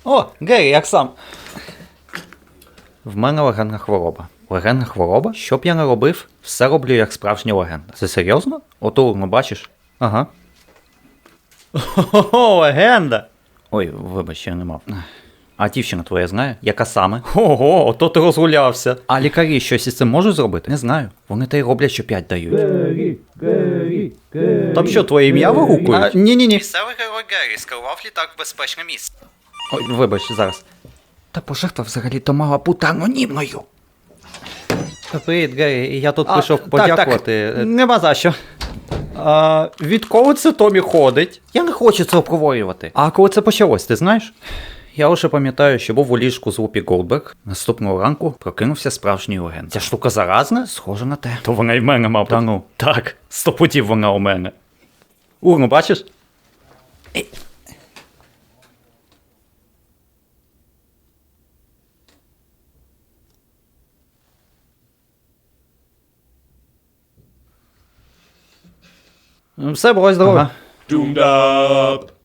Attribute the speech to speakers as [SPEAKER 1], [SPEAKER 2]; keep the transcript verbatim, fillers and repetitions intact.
[SPEAKER 1] О, Гері, як сам? В мене легенна хвороба. Легенна хвороба? Що б я не робив, все роблю як справжня легенда. Це серйозно? Ото урну бачиш? Ага. О, легенда! Ой, вибач, я не мав. А дівчина твоя знає? Яка саме? Ого, ото ти розгулявся. А лікарі щось із цим можуть зробити? Не знаю. Вони та й роблять, що п'ять дають.
[SPEAKER 2] Гері, Гері, Гері.
[SPEAKER 1] Там що, твоє ім'я вигукують?
[SPEAKER 2] А,
[SPEAKER 1] Ні-ні-ні.
[SPEAKER 3] Місцевий герой Геррі скерував літак в безпечне місце.
[SPEAKER 1] Ой, вибач, зараз.
[SPEAKER 2] Та пожертва взагалі-то мала бути анонімною.
[SPEAKER 1] Привіт, Гері, я тут
[SPEAKER 2] А,
[SPEAKER 1] прийшов
[SPEAKER 2] так,
[SPEAKER 1] подякувати. Нема за що. А, відколи це Томі ходить? Я не хочу це обговорювати. А коли це почалось, ти знаєш? Я лише пам'ятаю, що був у ліжку з Вупі Голдберг. Наступного ранку прокинувся справжній легенд. Ця штука заразна? Схоже на те. То вона й в мене, мабуть. Та ну. Так, сто путів вона у мене. Урну, бачиш? Все, бувай здорово. Ага.
[SPEAKER 4] Doomed up.